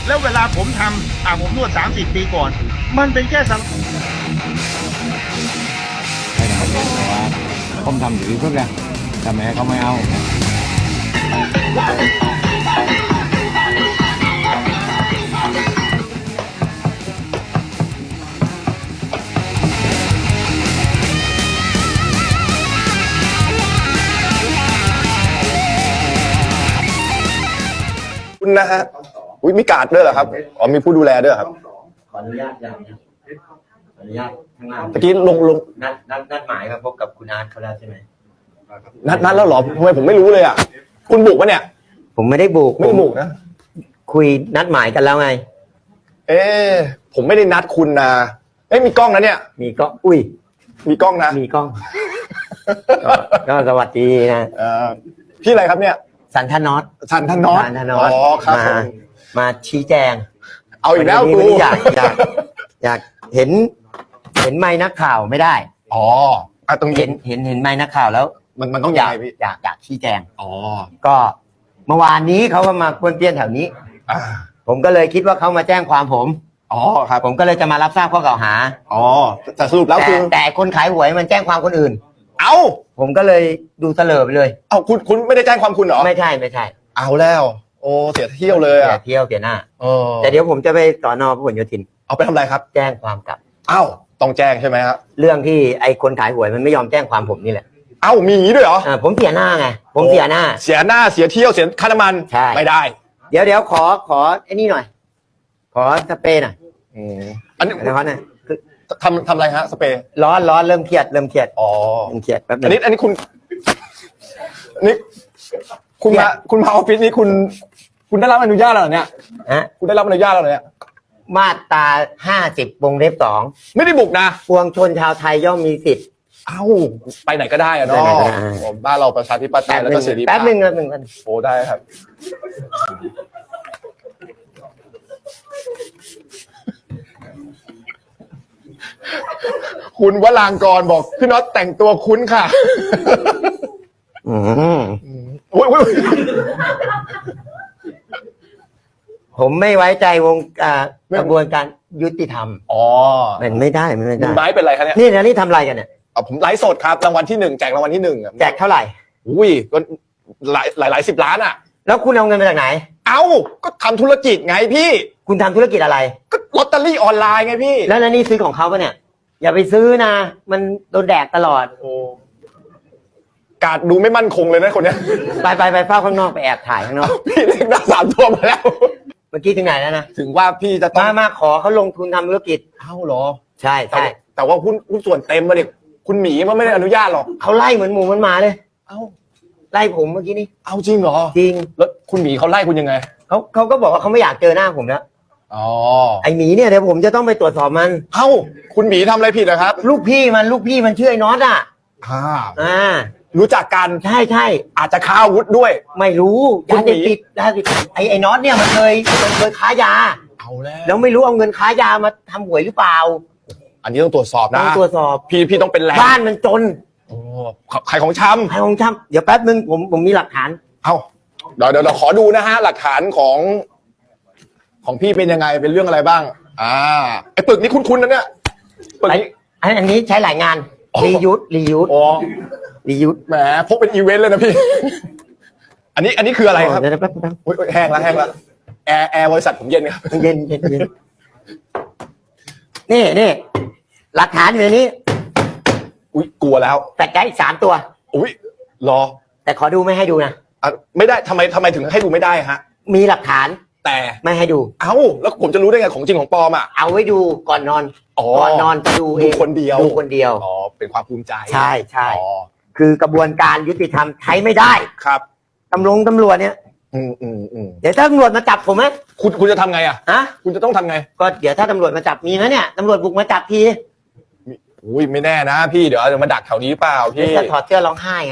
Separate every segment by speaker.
Speaker 1: แล้วเวลาผมทำผมนวด30 ปีก่อน มันเป็นแค่สัง
Speaker 2: ไม่ได้เพราะว่าผมทำอยู่ที่สุดแล้วแต่แม่เขาไม่เอา
Speaker 3: คุณนะฮะมีการ์ดด้วยเหรอครับอ๋อมีผู้ดูแลด้วยครับ
Speaker 4: ขออนุญาตอย่างนี้ขออนุญาตข้างล่าง
Speaker 3: ตะกี้ลง
Speaker 4: นัดหมายครับพบกับคุณอาร์ตเขาแล้วใช่ไหม
Speaker 3: นัดแล้วเหรอทำไมผมไม่รู้เลยอ่ะคุณบุกปะเนี่ย
Speaker 4: ผมไม่ได้บุก
Speaker 3: ไม่ได้บุกนะ
Speaker 4: คุยนัดหมายกันแล้วไง
Speaker 3: ผมไม่ได้นัดคุณนะมีกล้องนะเนี่ย
Speaker 4: มีกล้องอุ้ย
Speaker 3: มีกล้องนะ
Speaker 4: มีกล้องก็สวัสดีนะ
Speaker 3: พี่อะไรครับเนี่ย
Speaker 4: สันทนอต
Speaker 3: อ๋อครับ
Speaker 4: มาชี้แจง
Speaker 3: เอาอีกแล้วกู
Speaker 4: อยากเห็นไมค์นักข่าวไม่ได้
Speaker 3: อ๋อต้อง
Speaker 4: เห็นไมค์นักข่าวแล้ว
Speaker 3: มันต้อง
Speaker 4: อยากชี้แจง
Speaker 3: อ๋อ
Speaker 4: ก็เมื่อวานนี้เขาก็มาป้วนเปี้ยนแถวนี้ผมก็เลยคิดว่าเขามาแจ้งความผม
Speaker 3: อ๋อครับ
Speaker 4: ผมก็เลยจะมารับทราบข้อกล่าวหา
Speaker 3: อ๋อแต่สรุปแล้วคือ
Speaker 4: แต่คนขายหวยมันแจ้งความคนอื่นผมก็เลยดูเสลอไปเลย
Speaker 3: คุณไม่ได้แจ้งความคุณเหรอ
Speaker 4: ไม่ใช่
Speaker 3: เอาแล้วโอ้เสียเที่ยวเลย
Speaker 4: เสียหน้าแต่เดี๋ยวผมจะไปสน.พหลโยธิน
Speaker 3: เอาไปทำอะไรครับ
Speaker 4: แจ้งความกลับ
Speaker 3: ต้องแจ้งใช่ไหมครับ
Speaker 4: เรื่องที่ไอ้คนขายหวยมันไม่ยอมแจ้งความผมนี่แหละ
Speaker 3: มีอย่างนี้ด้วยเหรอ
Speaker 4: ผมเสียหน้าไงผมเสียหน้า
Speaker 3: เสียเที่ยวเสียค่าน้ำมันไม่ได้
Speaker 4: เดี๋ยวขอไอ้นี่หน่อยขอสเปรย์หน่อย
Speaker 3: อันนี้
Speaker 4: นะครับเนี่ย
Speaker 3: ทำอะไรฮะสเปรย์
Speaker 4: ร้อนเริ่มเครียด
Speaker 3: อ๋อ
Speaker 4: เริ่มเครียดแป๊บนึง
Speaker 3: อันนี้คุณมาออฟฟิศนี้คุณได้รับอนุญาตแล้วเหรอเนี่ยคุณได้รับอนุญาตแล้วเหรอเนี่ย
Speaker 4: มาตรา50 วงเล็บ 2
Speaker 3: ไม่ได้บุกนะ
Speaker 4: ปวงชนชาวไทยย่อมมีสิทธิ์
Speaker 3: ไปไหนก็ได้อะเนาะบ้านเราประชาธิปไตยแล้วก็เสรีภาพ
Speaker 4: แป๊บนึง
Speaker 3: โอ้ได้ครับคุณวรางกรบอกพี่น็อตแต่งตัวคุ้นค่ะโอ้ย
Speaker 4: ผมไม่ไว้ใจวงกระบวนการยุติธรรมมันไม่ได้
Speaker 3: ไม้เป็นไรครับเนี่ย
Speaker 4: นี่ทำอะไรกันเนี่ย
Speaker 3: ผมไลฟ์สดครับรางวัลที่1แจกรางวัลที่1
Speaker 4: แจกเท่าไหร่
Speaker 3: ก็หลาย10 ล้านอ่ะ
Speaker 4: แล้วคุณเอาเงินมาจากไหน
Speaker 3: ก็ทำธุรกิจไงพี่
Speaker 4: คุณทำธุรกิจอะไร
Speaker 3: ก็ลอตเตอรี่ออนไลน์ไงพี่
Speaker 4: แล้วนี่ซื้อของเขาปะเนี่ยอย่าไปซื้อนะมันโดนแดกตลอด
Speaker 3: การดูไม่มั่นคงเลยนะคนเนี้ย
Speaker 4: ไปเฝ้าข้างนอกไปแอบถ่ายข้างนอก
Speaker 3: พี่เลขหน้า3 ตัวมาแล้ว
Speaker 4: เมื่อกี้ถึงไหนแล้วนะ
Speaker 3: ถึงว่าพี่จะต้อง
Speaker 4: มาขอเขาลงทุนทำธุรกิจ
Speaker 3: เหรอ
Speaker 4: ใช่
Speaker 3: แต่ว่าหุ้นส่วนเต็มมาดิคุณหมีมันไม่ได้อนุญาตหรอก
Speaker 4: เขาไล่เหมือนหมูมันมาเลยไล่ผมเมื่อกี้นี่
Speaker 3: จริงเหรอ
Speaker 4: จริง
Speaker 3: แล้วคุณหมีเขาไล่คุณยังไง
Speaker 4: เขาก็บอกว่าเขาไม่อยากเจอหน้าผมแล้วไอหมีเนี่ยเดี๋ยวผมจะต้องไปตรวจสอบมัน
Speaker 3: คุณหมีทำอะไรผิดนะครับ
Speaker 4: ลูกพี่มันชื่อไอ้น็อต
Speaker 3: รู้จักกัน
Speaker 4: ใช่
Speaker 3: อาจจะค้าอาวุธด้วย
Speaker 4: ไม่รู้ยาเสพติดไอ้น็อตเนี่ยมันเคยค้ายาแล้วไม่รู้เอาเงินค้ายามาทำหวยหรือเปล่า
Speaker 3: อันนี้ต้องตรวจสอบนะ
Speaker 4: ต้องตรวจสอบ
Speaker 3: พี่ต้องเป็นแรง
Speaker 4: บ้านมันจน
Speaker 3: ขายของช
Speaker 4: ำเดี๋ยวแป๊บนึงผมมีหลักฐาน
Speaker 3: เดี๋ยวขอดูนะฮะหลักฐานของพี่เป็นยังไงเป็นเรื่องอะไรบ้างไอ้ปึกนี้คุ้นๆนะเนี่ย
Speaker 4: ปึกนี้อันนี้ใช้หลายงานรียุทธ์
Speaker 3: แหมพกเป็นอีเวนต์เลยนะพี่อันนี้คืออะไรครับแห้งแล้วแอร์บริษัทผมเย็นครับ
Speaker 4: เย็นนี่หลักฐานอยู่ในนี้
Speaker 3: กลัวแล้ว
Speaker 4: แต่ได้3 ตัว
Speaker 3: รอ
Speaker 4: แต่ขอดูไม่ให้ดูนะ
Speaker 3: ไม่ได้ทำไมถึงให้ดูไม่ได้ฮะ
Speaker 4: มีหลักฐาน
Speaker 3: แต่
Speaker 4: ไม่ให้ดู
Speaker 3: แล้วผมจะรู้ได้ไงของจริงของปลอม
Speaker 4: เอาไว้ดูก่อนนอนจะดู
Speaker 3: คนเดียวเป็นความภูมิใจ
Speaker 4: ใช่คือกระบวนการยุติธรรมใช้ไม่ได้
Speaker 3: ครับ
Speaker 4: ตำรวจเนี่ยเดี๋ยวถ้าตำรวจมาจับผมไหม
Speaker 3: คุณจะทำไงคุณจะต้องทำไง
Speaker 4: ก็เดี๋ยวถ้าตำรวจมาจับมีไหมเนี่ยตำรวจบุกมาจับที
Speaker 3: ไม่แน่นะพี่เดี๋ยวจะมาดักแถวนี้เปล่าพี่
Speaker 4: จะถอดเสื้อร้องไห้ไง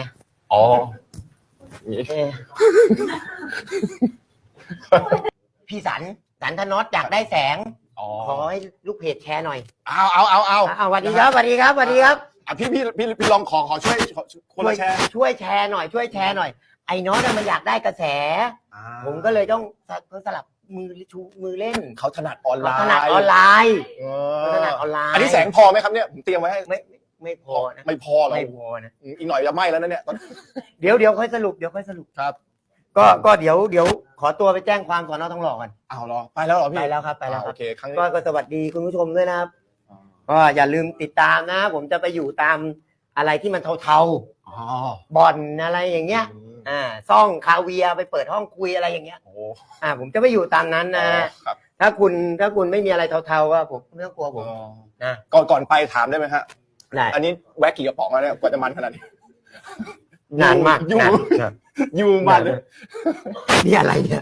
Speaker 4: พี่สันธนอตอยากได้แสงขอให้ลูกเพจแชร์หน่อย
Speaker 3: เอา
Speaker 4: สวัสดีครับ
Speaker 3: พี่ลองขอช่วยคนละแชร์
Speaker 4: ช่วยแชร์หน่อยไอ้น็อตมันอยากได้กระแสผมก็เลยต้องสลับมือชูมือเล่น
Speaker 3: เขาถนัดออนไล
Speaker 4: เขา
Speaker 3: น์
Speaker 4: ถนัดออนไลน์
Speaker 3: เอ
Speaker 4: เขาถนัดออนไลน์
Speaker 3: อันนี้แสงพอไหมครับเนี่ยผมเตรียมไว้ให้
Speaker 4: ไม่พอนะ
Speaker 3: ไม่พอหรอ
Speaker 4: ไม่พอนะ
Speaker 3: อีกหน่อยจะไหม้แล้วนะเนี่ย
Speaker 4: เดี๋ยวค่อยสรุป
Speaker 3: ครับ
Speaker 4: ก็เดี๋ยวขอตัวไปแจ้งความสอนอทองหล่อกัน
Speaker 3: เอาเหรอไปแล้วเหรอพี่
Speaker 4: ไปแล้วครับไปแล้วครับ
Speaker 3: โอเคครั้งนี้
Speaker 4: ก็สวัสดีคุณผู้ชมด้วยนะครับก็อย่าลืมติดตามนะ ผมจะไปอยู่ตามอะไรที่มันเทา
Speaker 3: อ๋อ
Speaker 4: ๆบ่อนอะไรอย่างเงี้ยซ่องคาเวียร์ไปเปิดห้องคุยอะไรอย่างเงี้ย
Speaker 3: โอ้
Speaker 4: ผมจะไปอยู่ตามนั้นนะครับ ถ้าคุณไม่มีอะไรเทาๆก็ผมไม่ต้องกลัวผมนะ
Speaker 3: ก่อนไปถามได้ไหมฮะ
Speaker 4: ได้
Speaker 3: อันนี้แวะกี่กระป๋องแล้วเนี่ยกว่าจะมันขนาดนี้
Speaker 4: นานมาก
Speaker 3: อยู่
Speaker 4: นาน
Speaker 3: อยู่มันเลย
Speaker 4: นี่อะไรเนี่ย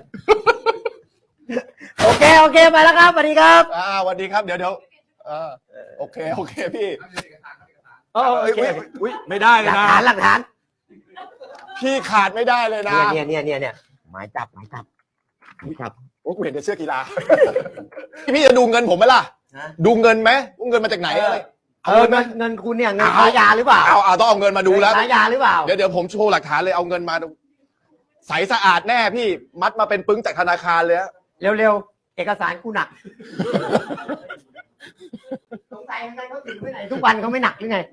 Speaker 4: โอเคไปแล้วครับสวัสดีครับ
Speaker 3: สวัสดีครับเดี๋ยวโอเคพี่
Speaker 4: โอเค
Speaker 3: อุ้ยไม่ได้เลยนะ
Speaker 4: หลักฐาน
Speaker 3: พี่ขาดไม่ได้เลยนะ
Speaker 4: เนี่ยหมายจับ
Speaker 3: โอ้กูเห็นแต่เสื้อกีฬา พี่จะดูเงินผมไหมล่ะ
Speaker 4: ฮะ
Speaker 3: ดูเงินไหมว่าเงินมาจากไหนอะไร
Speaker 4: เงินคุณเนี่ยเงินค้ายาหรือเปล่า
Speaker 3: เอาต้องเอาเงินมาดูแล้ว
Speaker 4: ค้ายาหรือเปล่า
Speaker 3: เดี๋ยวผมโชว์หลักฐานเลยเอาเงินมาดูใสสะอาดแน่พี่มัดมาเป็นปึ้งจากธนาคารเลยฮะ
Speaker 4: เร็วๆเอกสารกูหนักสงสัยทำไมเขาถึงไปไหนทุกวันเขาไม่หนักหรือไง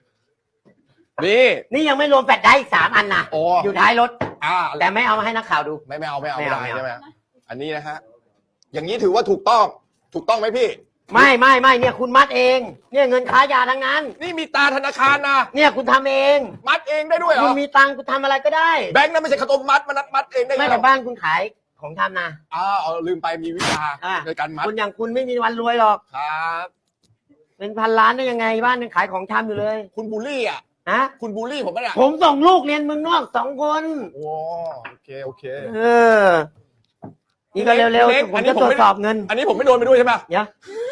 Speaker 4: นี่ยังไม่รวมแฟลชได้อีก3 อันนะ
Speaker 3: โอ้
Speaker 4: อยู่ท้ายรถ แต่
Speaker 3: แล้ว
Speaker 4: ไม่เอามาให้นักข่าวดู
Speaker 3: ไม่เอา
Speaker 4: ไม่
Speaker 3: ไม่
Speaker 4: เอา
Speaker 3: ได้
Speaker 4: ไม่เอา
Speaker 3: ใช่ไหมอันนี้นะฮะอย่างนี้ถือว่าถูกต้องไหมพี่
Speaker 4: ไม่เนี่ยคุณมัดเอง เนี่ยเงินค้ายาทั้งนั้น
Speaker 3: นี่มีตาธนาคารนะ
Speaker 4: เนี่ยคุณทำเอง
Speaker 3: มัดเองได้ด้วยเหร
Speaker 4: คุ
Speaker 3: อ
Speaker 4: ณมีตังค์คุณทำอะไรก็ได้
Speaker 3: แบงค์นั้นไม่ใช่ข้าวต้มมัดมันมัดเองได้
Speaker 4: ไม่
Speaker 3: เหร
Speaker 4: แต่
Speaker 3: อ
Speaker 4: บ้านคุณขายของทำนะ
Speaker 3: ลืมไปมีวิชา
Speaker 4: อ่ะ
Speaker 3: ในการมัด
Speaker 4: คุณอย่างคุณไม่มีวันรวยหรอก
Speaker 3: ครับ
Speaker 4: เป็นพันล้านได้ยังไงบ้านยังขายของชำอยู่เลย
Speaker 3: คุณบูลลี่อ่ะ
Speaker 4: ฮะ
Speaker 3: คุณบูลลี่ผมปะเนี่ย
Speaker 4: ผมส่งลูกเรียนเมืองนอก2 คน
Speaker 3: โอ้โอเค
Speaker 4: นี่ก็เร็ว
Speaker 3: เล็ก
Speaker 4: ๆผ
Speaker 3: อั
Speaker 4: ม
Speaker 3: นนี้
Speaker 4: จะ
Speaker 3: ผม
Speaker 4: ตรว
Speaker 3: ไม่
Speaker 4: จสอบเงิน
Speaker 3: อันนี้ผมไม่โดนไปด้วยใช่ไหม
Speaker 4: เดี๋ยว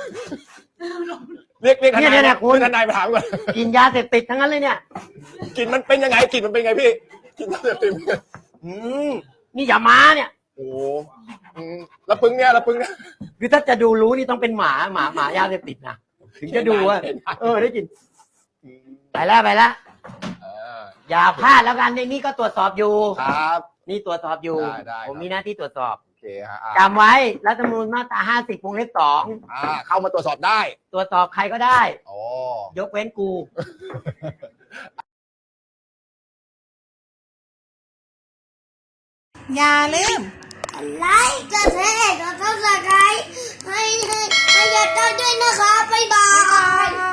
Speaker 3: เรียกทนาย
Speaker 4: เนี่ยคุณ
Speaker 3: ทนายไปถามก่อน
Speaker 4: กินยาเสพติดทั้งนั้นเลยเนี่ย
Speaker 3: กลิ่นมันเป็นยังไงพี่กลิ่นยาเสพติด
Speaker 4: นี่อย่ามาเนี่ย
Speaker 3: โอ้แล้วปึ้งเนี่ย
Speaker 4: คือถ้าจะดูรู้นี่ต้องเป็นหมายาเสพติดนะถึงจะดูว่าได้กินไปแล้วอย่าพลาดแล้วกันในนี่ก็ตรวจสอบอยู่
Speaker 3: ครับ
Speaker 4: นี่ตรวจสอบอยู่
Speaker 3: ได้
Speaker 4: ผมมีหน้าที่ตรวจสอบ
Speaker 3: โอเคฮะ
Speaker 4: จำไว้รัฐธรรมนูญมาตรา50 วงเล็บ
Speaker 3: เข้ามาตรวจสอบได้
Speaker 4: 2ตรวจสอบใครก็ได้
Speaker 3: โอ้
Speaker 4: ยกเว้นกู
Speaker 5: อย่าลืม
Speaker 6: ไลค์กดแชร์กดซับสไครต์ให้ยายต้อยด้วยนะคะ บ๊ายบาย